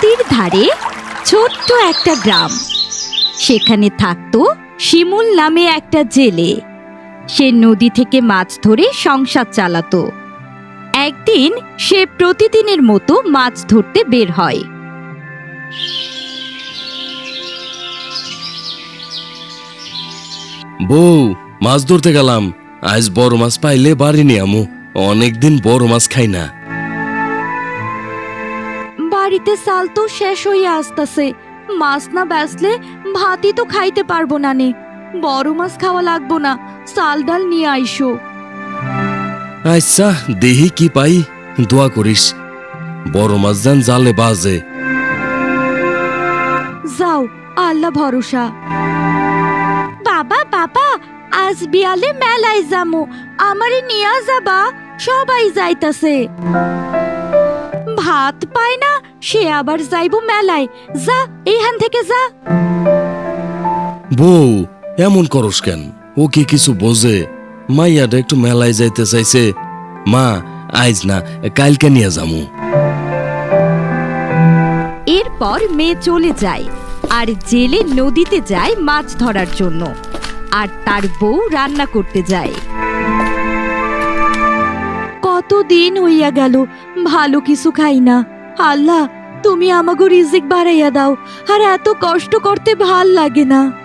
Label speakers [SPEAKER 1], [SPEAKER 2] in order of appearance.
[SPEAKER 1] নদীর ধারে ছোট্ট একটা গ্রাম। সেখানে থাকতো শিমুল নামে একটা জেলে। সে নদী থেকে মাছ ধরে সংসার চালাতো। একদিন সে প্রতিদিনের মতো মাছ ধরতে বের হয়।
[SPEAKER 2] বউ, মাছ ধরতে গেলাম। আজ বড় মাছ পাইলে বাড়ি নিয়ে আমু। অনেকদিন বড় মাছ খাই না।
[SPEAKER 1] বাড়িতে চাল তো শেষ হইয়া আসতেছে, মাছ না বেচলে ভাতই তো খাইতে পারবো না নে। বড় মাছ খাওয়া লাগবো না, চাল ডাল নিয়ে আইসো।
[SPEAKER 2] আচ্ছা, দেহি কি পাই, দোয়া করিস। বড় মাছ যেন জালে বাজে।
[SPEAKER 1] যাও, আল্লাহ ভরসা। বাবা বাবা, আজ বিয়ালে মেলায় যামু, আমারে নিয়া যাবা? সবাই যাইতাছে। ভাত পায় না, সে আবার যাইবো মেলায়। যা, এইখান থেকে যা।
[SPEAKER 2] বউ, এমন করস কেন? ও কি কিছু বোঝে? মাইয়াটা একটু মেলায় যাইতে চাইছে। মা, আজ না, কালকে নিয়ে যামু।
[SPEAKER 1] এরপর মেয়ে চলে যায়, আর জেলে নদীতে যায় মাছ ধরার জন্য, আর তার বউ রান্না করতে যায়। কতদিন হইয়া গেল ভালো কিছু খাই না। আল্লাহ, তুমি আমাগো রিজিক বাড়াইয়া দাও, আর এত কষ্ট করতে ভাল লাগে না।